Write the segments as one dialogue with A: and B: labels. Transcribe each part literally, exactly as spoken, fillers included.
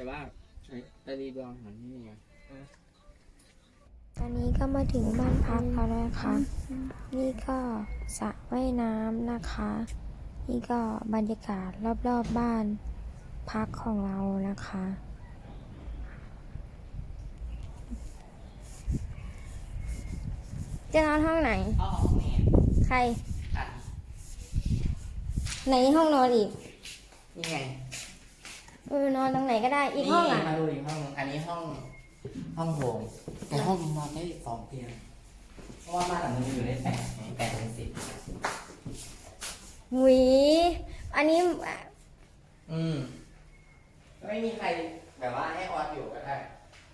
A: ว่าตาดีดวงหันนี่ไง
B: ตอนนี้ก็มาถึงบ้านพักแล้วนะคะ นี่ก็สระว่ายน้ำนะคะ นี่ก็บรรยากาศรอบๆ บบ้านพักของเรานะคะจะนอนห้องไหนใครไหนห้องนอนอีก
A: นี่ไง
B: เออนอนตรงไหนก็ได้อีกห้องอ่ะ
A: มาดูอีกห้องนึงอันนี้ห้องห้องโถงแต่ห้องนอนได้สองเตียงเพราะว่าบ้านหลังนี้อยู่ได้แปดแปดเป็นสิบ
B: หุยอันนี้
A: อืมไม่มีใครแบบว่าให้ออสอยู่ก็ได้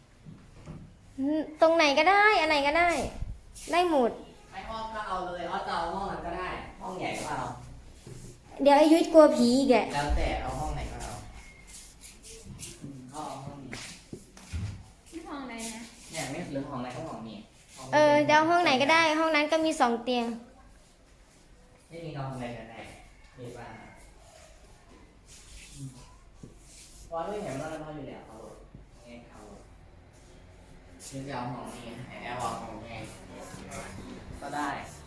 B: ตรงไหนก็ได้อันไหนก็ได้ได้หมด
A: ไม่ออสก็เอาเลยออสจะเอาห้องนั้นก็ได้ห้องใหญ่ก็เอา
B: เดี๋ยวไอ้ยุ้ยกลัวผีอีกแก
A: แล้วแต่เอาห้องไหนก็เอาเขาเอาห้องนี้
C: ที่ห้องไหนนะ
A: เนี่ยไม่หรือห้องไหนก็ห้องนี้
B: เออเดี๋ยวห้องไหนก็ได้ห้องนั้นก็มีสองเตียง
A: ไม่มีนอนอะไรกันแน่มีบ้านวอนไม่เห็นว่านอนอยู่แล้วเอาเงี้ยเอาซึ่งจะเอาห้องนี้ให้เอาห้องนี้ก็ได้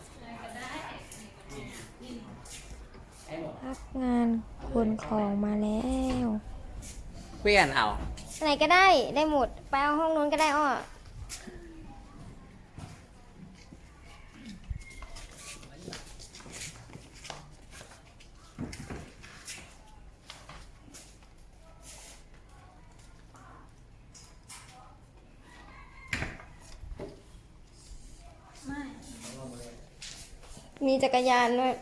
B: พักงานขนของมาแล้ว
A: เปลี่ยนเอา
B: ไหนก็ได้ได้หมดไปเอาห้องนู้นก็ได้อ้อมีจักรยานด้วย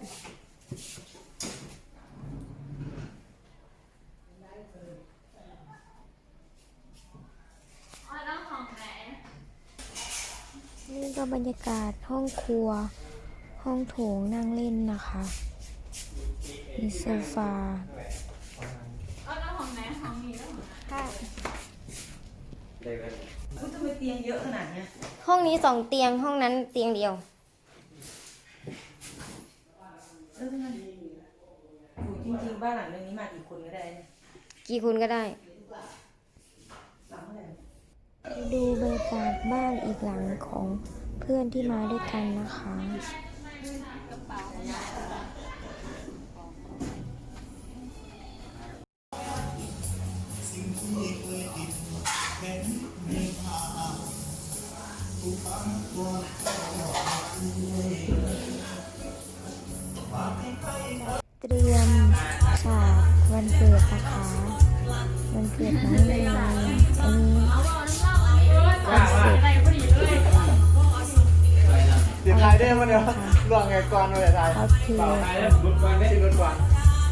B: นี่ก็บรรยากาศห้องครัวห้องโถงนั่งเล่นนะคะมีโซฟา
C: แล้วห้องไหนห้องนี้แล้ว
B: ค่ะ
D: คุณทำไมเตียงเยอะขนาดนี้
B: ห้องนี้สองเตียงห้องนั้นเตียงเดียว
D: เออมันจริงๆบ้านหลังนี้มากี่คนก็ได้เนี่ย
B: กี่คนก็ได้ดูบรรยากาศบ้านอีกหลังของเพื่อนที่มาด้วยกันนะคะเตรียมฉากวันเกิดนะคะวันเกิดน้องเนยอันนี้วันเสร็จ
E: เดี๋ยวถ่ายได้มาเดี๋ยวลวงไงก่อนเลยถ่าย
B: โอเค
E: รถก่อนได้รถก่อน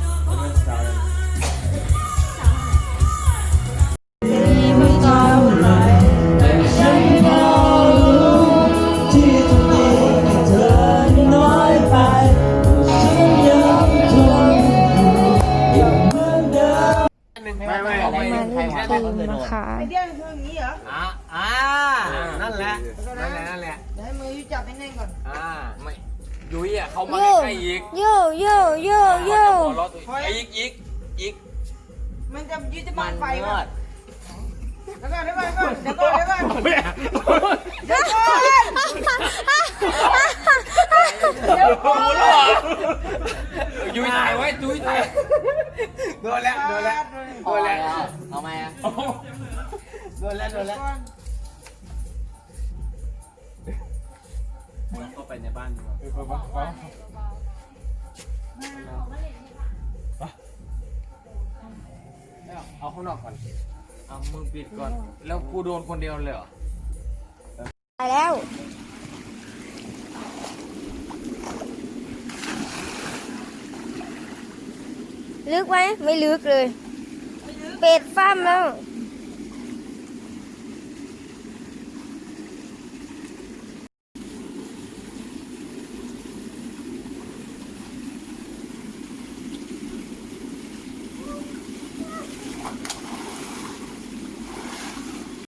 A: ไม่ไม่ไม่
B: มาเล่นเกมนะคะ
D: ไอเดียมันคืออย่างนี้เหรอ
A: อ่าอ่านั่นแหละนั่นแหละนั่นแหละ
D: เดี๋ยวให้มือยุจับแน่นๆก่อน
A: อ่าไม่ยุ้ยอ่ะเขามาใกล้อีก
B: โย่โย่โย่โย่
A: อีกอีกอีก
D: มันจะยุจะบังไฟมั้ยเดี๋ยวก่อนเดี๋ยวก่อนเดี๋ยวก่อนเดี๋ยวก่อนเดี๋ยวก่อน
A: เดี๋ยวก่อนยุ้ยถ่ายไว้ยุ้ยถ่ายโดนแล้วโดนแล้วโดนแล้วเอาไหมอ่ะโดนแล้วโดนแล้วเข้าไปในบ้านดีกว่าเอาข้างนอกก่อนเอามือปิดก่อนแล้วกูโดนคนเดียวเลยเหรอ
B: ไปแล้วลึกไหมไม่ลึกเลยเป็ดฟ้ามแล้ว